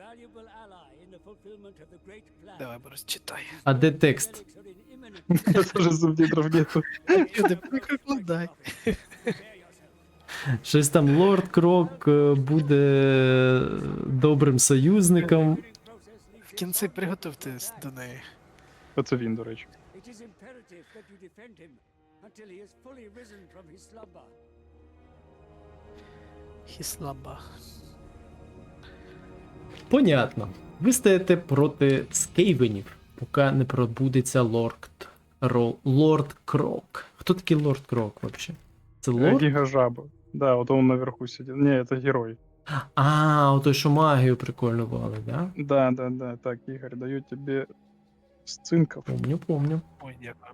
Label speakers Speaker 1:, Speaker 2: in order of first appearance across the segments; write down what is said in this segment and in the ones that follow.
Speaker 1: Давай, Борис, читай.
Speaker 2: А де текст?
Speaker 3: Даже субтитров нету.
Speaker 1: Люди, перекладай.
Speaker 2: Щось там Лорд Крок буде добрим союзником.
Speaker 1: В кінці приготуйтесь до неї.
Speaker 3: Оце він, до речі.
Speaker 1: Хіслаба.
Speaker 2: Понятно. Ви стаєте проти скейвенів, поки не пробудеться Лорд Крок. Хто такий Лорд Крок вообще? Це лорд?
Speaker 3: Гіга жаба. Да, вот он наверху сидит. Не, это герой.
Speaker 2: А, отой, що магію прикольно валить, да?
Speaker 3: Да. Так, Игорь, даю тебе сцинков.
Speaker 2: Помню.
Speaker 1: Ой, дякую.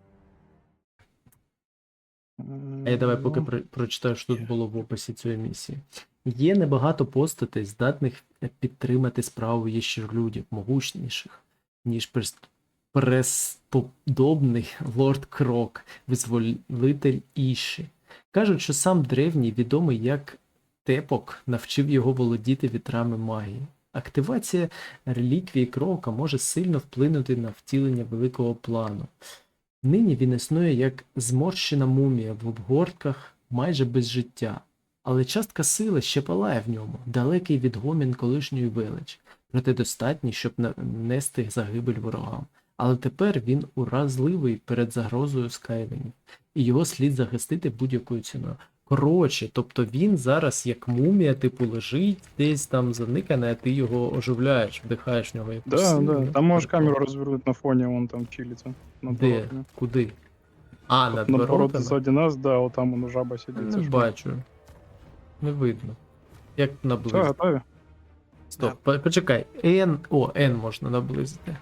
Speaker 2: А я давай поки прочитаю, що тут було в описі цієї місії. Є небагато постатей, здатних підтримати справу ящерлюдів, могутніших, ніж пресподобний Лорд Крок, визволитель Іші. Кажуть, що сам древній, відомий як Тепок, навчив його володіти вітрами магії. Активація реліквії Крока може сильно вплинути на втілення великого плану. Нині він існує як зморщена мумія в обгортках майже без життя, але частка сили ще палає в ньому, далекий відгомін колишньої величі, проте достатній, щоб нанести загибель ворогам. Але тепер він уразливий перед загрозою скайвенів, і його слід захистити будь-якою ціною. Коротше, тобто він зараз як мумія, типу, лежить десь там заникане, а ти його оживляєш, вдихаєш в нього якусь
Speaker 3: Да,
Speaker 2: силу.
Speaker 3: да. Там можешь камеру развернуть на фоне, он там чилится. Над
Speaker 2: Де?
Speaker 3: воротами.
Speaker 2: Куди? А, над
Speaker 3: Наоборот,
Speaker 2: воротами?
Speaker 3: сзади нас, да, вот там он жаба сидит.
Speaker 2: Не
Speaker 3: Це ж.
Speaker 2: бачу. Не видно. Як
Speaker 3: Все,
Speaker 2: наблизити?
Speaker 3: готові?
Speaker 2: Стоп, почекай. N можна наблизити.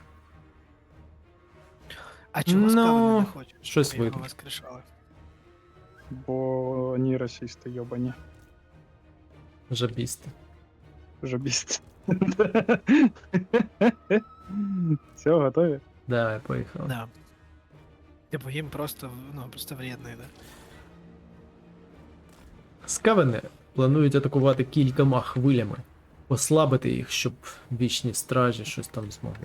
Speaker 1: А чого скавини не хочуть?
Speaker 2: щось
Speaker 1: Ми його
Speaker 2: видно.
Speaker 1: воскрешали.
Speaker 3: Бо вони расисти, йобані.
Speaker 2: Жабісти.
Speaker 3: Жабісти. Все, готові?
Speaker 2: Давай, поїхали.
Speaker 1: Да. Типу їм просто, просто вредний, да.
Speaker 2: Скавени планують атакувати кількома хвилями. Послабити їх, щоб вічні стражі щось там змогли.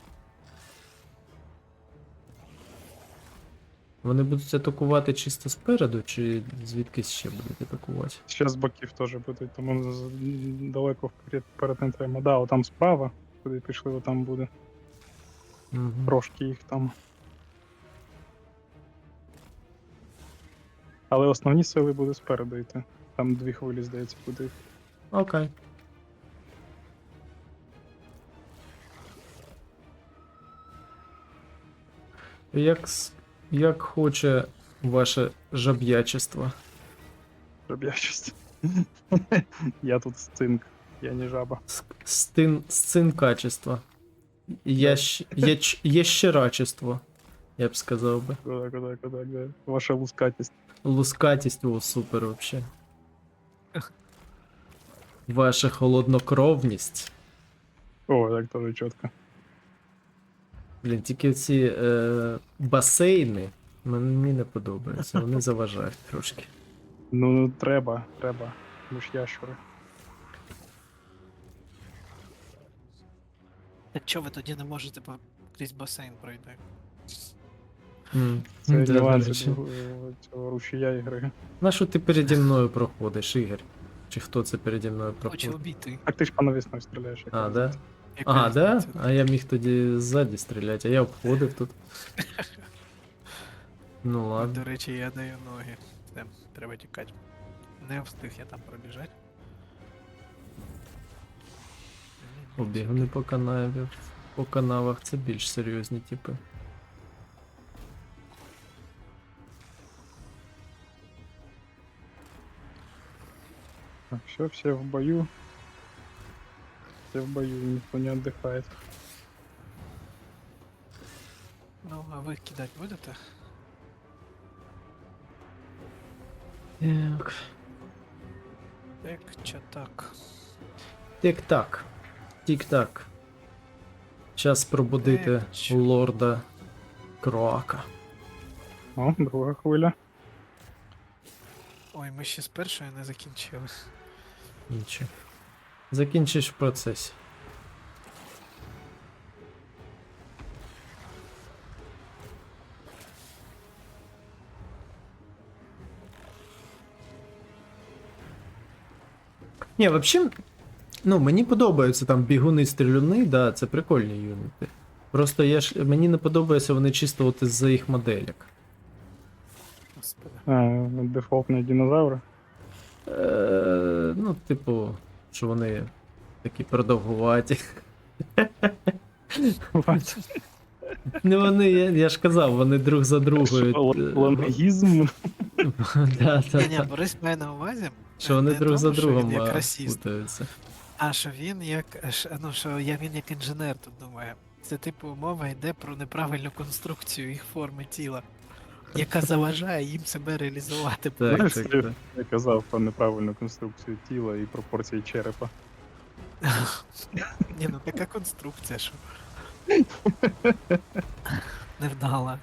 Speaker 2: Вони будуть атакувати чисто спереду, чи звідкись ще будуть атакувати?
Speaker 3: Зараз боків теж будуть, тому далеко вперед не треба. Да, отам справа, куди пішли, отам буде.
Speaker 2: Угу.
Speaker 3: Трошки їх там. Але основні сили буде спереду йти. Там 2 хвилі, здається, буде.
Speaker 2: Окей. Як хоче ваше жаб'ячество.
Speaker 3: Жаб'ячість. Я тут сцинк, я не жаба.
Speaker 2: Сцинкачество. Ящерачество, я б сказав би.
Speaker 3: Куда, да. Ваша лускатість.
Speaker 2: Лускатість, о, супер вообще. Ваша холоднокровність.
Speaker 3: О, так теж чітко.
Speaker 2: Блін, тільки ці басейни мені не подобаються, вони заважають трошки.
Speaker 3: Ну, треба. Ми ж ящури.
Speaker 1: Так чого ви тоді не можете крізь басейн пройти?
Speaker 3: Це
Speaker 2: Да, до
Speaker 3: нюанси
Speaker 2: речі.
Speaker 3: цього рушія ігри.
Speaker 2: На що ти переді мною проходиш, Ігор? Чи хто це переді мною
Speaker 1: Хочу
Speaker 2: проходить?
Speaker 1: обійти.
Speaker 3: Так ти ж по навісною стріляєш. як
Speaker 2: А,
Speaker 3: я
Speaker 2: да?
Speaker 3: знаю.
Speaker 2: Ага, да? А я міг тоді ззаді стріляти, а я обходив тут. Ну ладно.
Speaker 1: До речі, я даю ноги. Все, треба тікати. Не встиг я там пробіжати.
Speaker 2: Обігни по канаві. По канавах це більш серйозні типи.
Speaker 3: Так, все в бою. Все в бою, никто не отдыхает.
Speaker 1: Ну, а ви кидати будете?
Speaker 2: Так.
Speaker 1: Так, чи так?
Speaker 2: Тік-так. Тік-так. Час пробудити
Speaker 1: Чо?
Speaker 2: лорда Кроака.
Speaker 3: О, друга хвиля.
Speaker 1: Ой, ми ще з першої не закінчили.
Speaker 2: Нічого. Закінчиш в процесі. Ні, взагалі, ну, мені подобаються там бігуни-стрілюни, да, це прикольні юніти. Просто мені не подобається вони чисто от із-за їх моделек.
Speaker 1: Господи.
Speaker 3: Дефолтні динозаври.
Speaker 2: Ну, типу, що вони такі продовгуваті. Ну вони, я ж казав, вони друг за другою.
Speaker 3: Лангізм.
Speaker 2: Да, да,
Speaker 1: Ні,
Speaker 2: да.
Speaker 1: Борис має на увазі,
Speaker 2: Що вони
Speaker 1: не
Speaker 2: друг за
Speaker 1: тому, що
Speaker 2: другом
Speaker 1: він як расіст,
Speaker 2: путаються.
Speaker 1: а що він ну, що він як інженер тут думає. Це типу мова йде про неправильну конструкцію їх форми тіла, яка заважає їм себе реалізувати.
Speaker 2: Так,
Speaker 3: Знаєш,
Speaker 2: так,
Speaker 3: я
Speaker 2: так.
Speaker 3: я казав про неправильну конструкцію тіла і пропорції черепа.
Speaker 1: Ні, ну така конструкція, що. Невдала.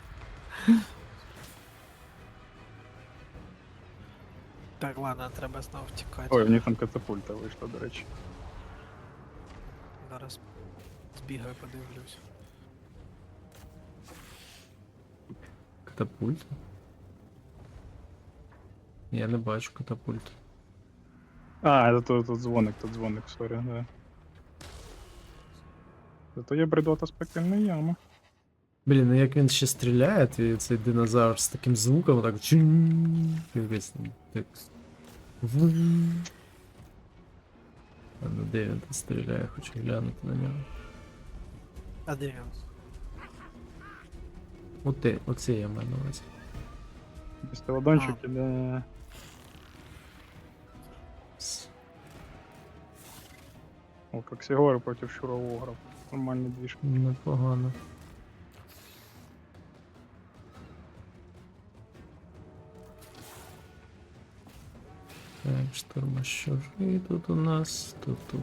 Speaker 1: Так, ладно, треба знову втікати.
Speaker 3: Ой, у них там катапульта вийшла, до речі.
Speaker 1: Зараз збігаю, подивлюсь.
Speaker 2: Катапульт? Я не бачу катапульт.
Speaker 3: А, це тут дзвоник, сорі, да. Зато є бредота спекельна яма.
Speaker 2: Блін, ну як він ще стріляє, цей динозавр з таким звуком, так чум. Якось так. А ну де він там стріляє, хочу глянути на нього.
Speaker 1: А де він?
Speaker 2: Оце я маю на увазі.
Speaker 3: Стелодончик іде. О, Коксігори проти Шуровогра. Нормальний двіж.
Speaker 2: Непогано. Так, штурмощури тут у нас, тут.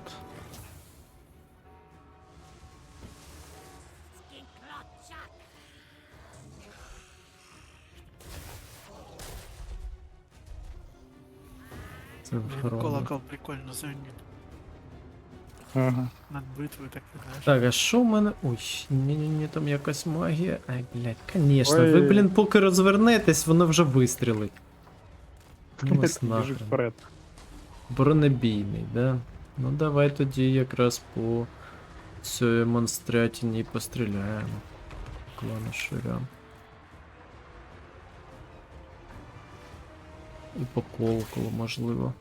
Speaker 2: Це
Speaker 1: Блін,
Speaker 2: ворона.
Speaker 1: колокол прикольно звенить.
Speaker 3: Ага.
Speaker 1: Над битвою так знаєш.
Speaker 2: Так, а що в мене. Ой, ні, там якась магія. Ай, блядь, конечно.
Speaker 3: Ой.
Speaker 2: Ви, блін, поки розвернетесь, воно вже вистрілить. Ну вас
Speaker 3: Біжить
Speaker 2: нахрен.
Speaker 3: вперед.
Speaker 2: Бронебійний, да? Ну давай тоді якраз по цій монстрятіні і постріляємо. Клану ширям. І по колоколу, можливо.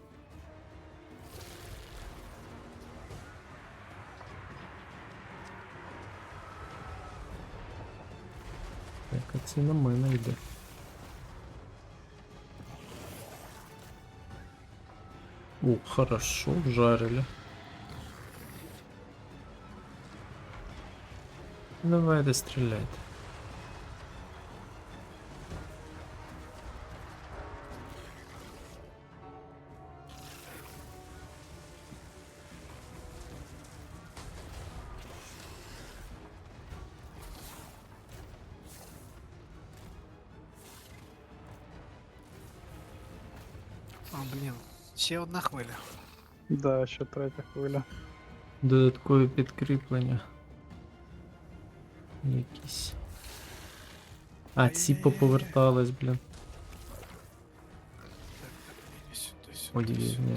Speaker 2: Так, а це на мене йде. О, хорошо, вжарили. Давайте стріляйте.
Speaker 1: О, блін. Ще одна хвиля.
Speaker 3: Да, ще третя хвиля.
Speaker 2: Додаткові підкріплення. Якісь. А, ці
Speaker 1: Ай-яй-яй.
Speaker 2: поповертались, блін.
Speaker 1: Так, іди сюди,
Speaker 2: Ой,
Speaker 1: сюди,
Speaker 2: ні.
Speaker 1: сюди.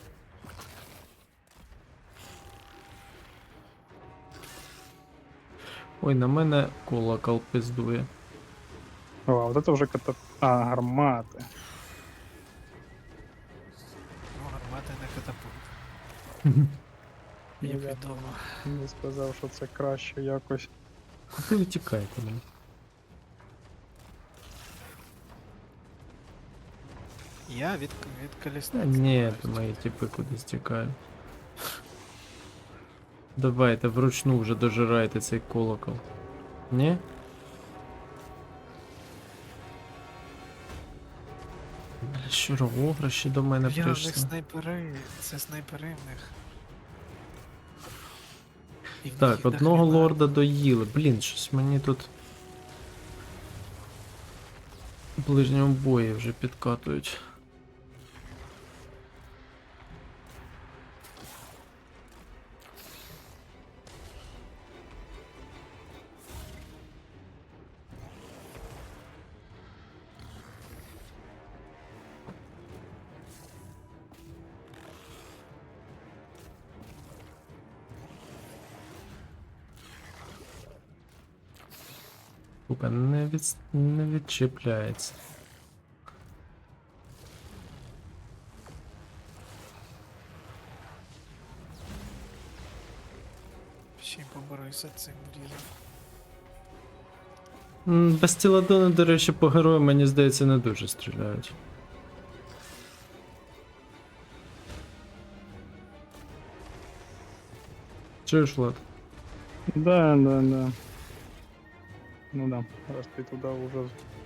Speaker 2: Ой, на мене колокол пиздує.
Speaker 3: О, а вот это вже гармати.
Speaker 1: Ну, гармати не катапульт.
Speaker 3: Ну,
Speaker 1: Як
Speaker 3: я
Speaker 1: відомо.
Speaker 3: не сказав, що це краще якось.
Speaker 2: Куди ви тікаєте, блін?
Speaker 1: Я від
Speaker 2: Та
Speaker 1: колісниці.
Speaker 2: ні,
Speaker 1: намагаюсь
Speaker 2: то мої
Speaker 1: тікати.
Speaker 2: типи кудись тікають. Давайте вручну вже дожирайте цей колокол. Ні? Бля, Щуровогра ще до мене
Speaker 1: Бля, в них
Speaker 2: прийшли.
Speaker 1: снайпери. Це снайпери в них. І в них
Speaker 2: Так,
Speaker 1: їх
Speaker 2: одного
Speaker 1: дохрена.
Speaker 2: лорда доїли. Блін, щось мені тут. В ближньому бої вже підкатують. Сука, не відчіпляється.
Speaker 1: Ще й поборуйся цим брізом.
Speaker 2: Без тіладони, до речі, по герою, мені здається, не дуже стріляють. Чуєш, Влад?
Speaker 3: Да, да, да. Ну да, раз ты туда уже...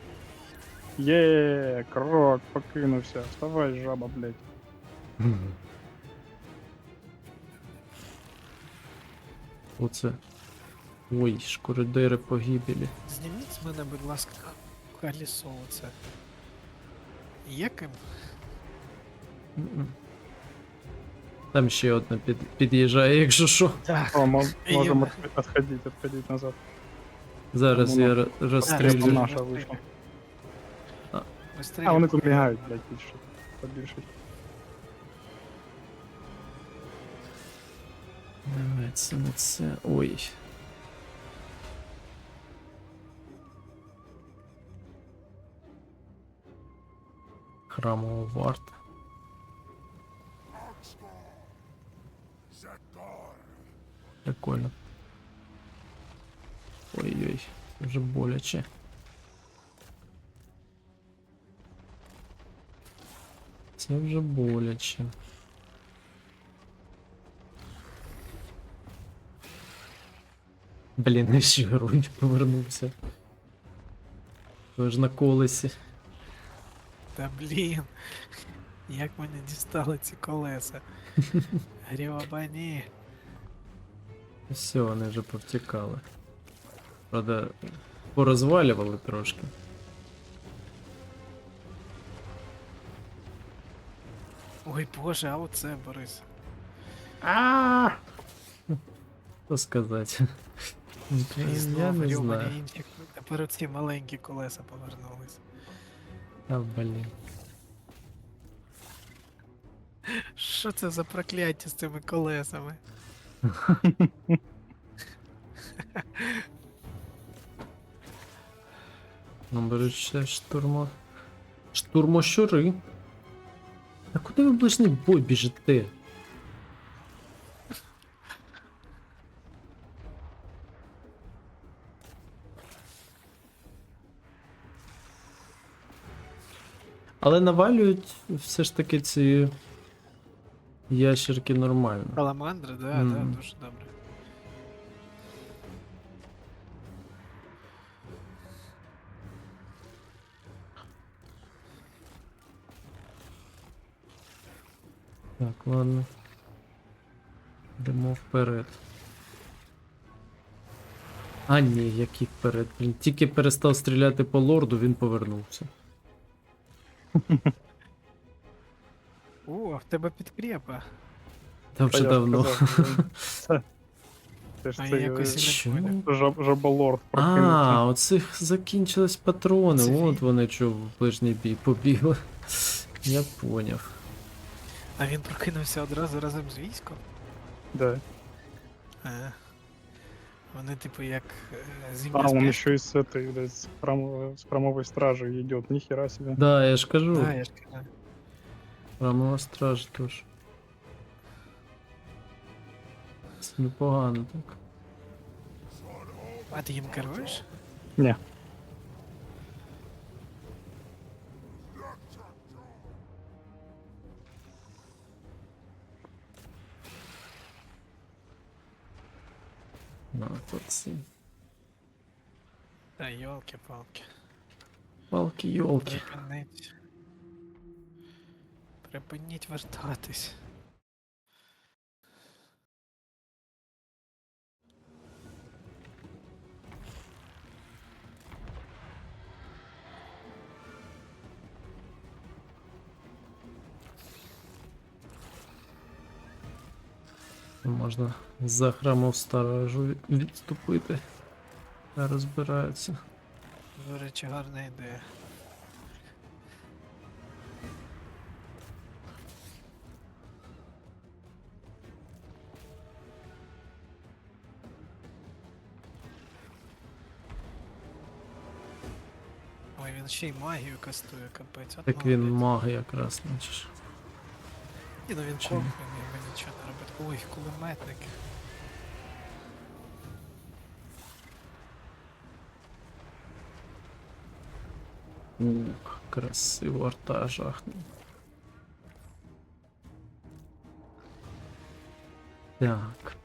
Speaker 3: Крок, покинувся. Вставай, жаба, блядь.
Speaker 2: Оце. Ой, шкуродери погибелі.
Speaker 1: Зніміть з мене, будь ласка, колесо оце. Яким?
Speaker 2: М-м. Там ще одна під'їжджає, якщо що.
Speaker 1: Так.
Speaker 3: О,
Speaker 1: Я-
Speaker 3: можем отходить назад.
Speaker 2: Зараз я
Speaker 3: Це
Speaker 2: розстрілюю.
Speaker 3: наша вийшла.
Speaker 1: Быстрее.
Speaker 3: А, вони тут мігають, блядь, більше. Побільше.
Speaker 2: Давай, це не це. Ой. Храмова варта. Прикольно. Ой-ой, вже боляче. Це вже боляче. Блін, ще герой повернувся. Ви ж на колесі.
Speaker 1: Та блін. Як мене дістали ці колеса. Грібані.
Speaker 2: Все, вони вже повтікали. Правда, порозвалювали трошки.
Speaker 1: Ой боже, а оце, Борис.
Speaker 2: Що сказати?
Speaker 1: І
Speaker 2: Я
Speaker 1: знову
Speaker 2: не
Speaker 1: грібані
Speaker 2: знаю.
Speaker 1: інші. Тепер оці маленькі колеса повернулись.
Speaker 2: А, блін.
Speaker 1: Що це за прокляття з цими колесами?
Speaker 2: Ну, беруть ще штурмо. Штурмощури. А куди ви в ближній бой біжите? Але навалюють все ж таки ці ящерки нормально.
Speaker 1: Саламандри, да,
Speaker 2: Мгм.
Speaker 1: да, дуже добре.
Speaker 2: Так, ладно. Йдемо вперед. А ні, який вперед. Блін, тільки перестав стріляти по лорду, він повернувся.
Speaker 1: О, в тебе підкрепа.
Speaker 2: Там
Speaker 3: Та
Speaker 2: вже
Speaker 3: я ж
Speaker 2: давно.
Speaker 3: казав, Це ж
Speaker 1: А я
Speaker 3: цей
Speaker 1: якось і
Speaker 2: Що?
Speaker 1: не поняв.
Speaker 3: жаболорд
Speaker 2: А,
Speaker 3: прокинувся.
Speaker 2: оцих закінчились патрони.
Speaker 1: Це
Speaker 2: От
Speaker 1: він?
Speaker 2: вони що в ближній бій побігли. Я поняв.
Speaker 1: А він прокинувся одразу разом з військом?
Speaker 3: Да.
Speaker 1: Вони типу як
Speaker 3: А,
Speaker 1: зимня
Speaker 3: он
Speaker 1: спячка.
Speaker 3: еще и с этой, блядь, с храмовой стражи идет. Нихера себе.
Speaker 2: Да, я ж кажу.
Speaker 1: Да, я ж кажу.
Speaker 2: Храмова стража теж. Це непогано так.
Speaker 1: А ти їм керуєш?
Speaker 3: Не.
Speaker 2: Ну, тут ці
Speaker 1: Та йолки-палки.
Speaker 2: палки-йолки.
Speaker 1: Припиніть. Припиніть вертатись.
Speaker 2: Можна за храмов сторожу відступити. Та розбираються.
Speaker 1: До речі, гарна ідея. Ой, він ще й магію кастує, капець. От
Speaker 2: Так він
Speaker 1: молодець.
Speaker 2: маг якраз, значить.
Speaker 1: Ні, ну він
Speaker 2: Чи
Speaker 1: кох,
Speaker 2: ні?
Speaker 1: він якби нічого не робить. Ой, кулеметники.
Speaker 2: Ух, красиво арта жахнув. Так.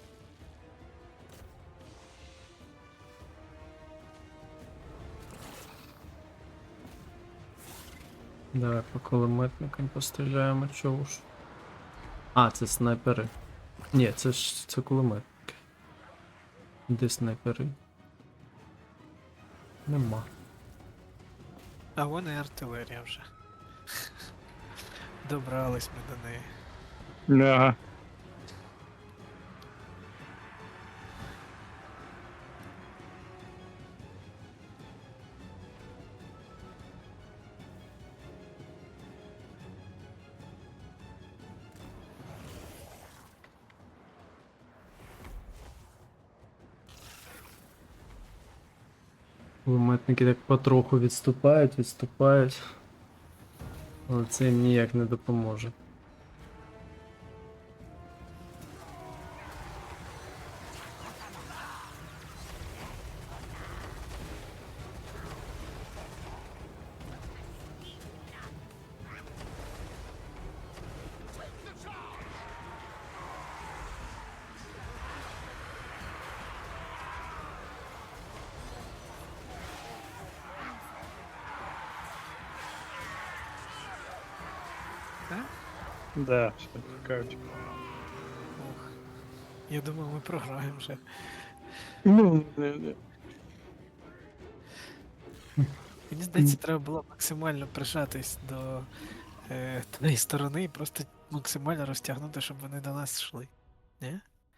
Speaker 2: Давай по кулеметникам постріляємо, чого ж. А, це снайпери. Ні, це кулеметники. Де снайпери? Нема.
Speaker 1: А вон і артилерія вже. Добрались ми до неї.
Speaker 3: Ага.
Speaker 2: Кулеметники так потроху відступають. Але це їм ніяк не допоможе.
Speaker 1: Так?
Speaker 3: Да, все, тікають.
Speaker 1: Ох. Я думав, ми програємо вже.
Speaker 3: Ну, не.
Speaker 1: Мені здається, треба було максимально прижатись до тієї сторони і просто максимально розтягнути, щоб вони до нас йшли. Ні?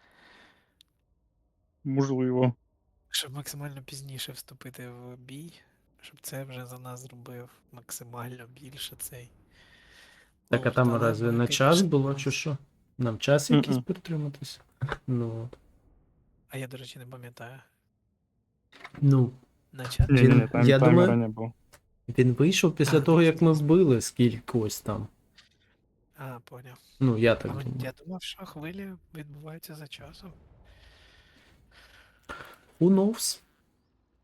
Speaker 3: Можливо.
Speaker 1: Щоб максимально пізніше вступити в бій, щоб це вже за нас зробив максимально більше цей.
Speaker 2: Так, а
Speaker 1: лорд.
Speaker 2: там
Speaker 1: Але
Speaker 2: разве
Speaker 1: ми,
Speaker 2: на час
Speaker 1: конечно,
Speaker 2: було чи що? Нам час якийсь
Speaker 3: Мгм.
Speaker 2: притриматися? Ну, от.
Speaker 1: А я, до речі, не пам'ятаю.
Speaker 2: Ну,
Speaker 1: На чат?
Speaker 3: Ні,
Speaker 2: Він-
Speaker 3: ні,
Speaker 2: я
Speaker 3: таймера
Speaker 2: думаю-
Speaker 3: не було.
Speaker 2: він вийшов після
Speaker 1: А,
Speaker 2: того,
Speaker 1: ну,
Speaker 2: як ми вбили скількось там.
Speaker 1: А, поняв.
Speaker 2: Ну, я
Speaker 1: А
Speaker 2: так думаю.
Speaker 1: я думав, що хвилі відбуваються за часом.
Speaker 2: Who knows?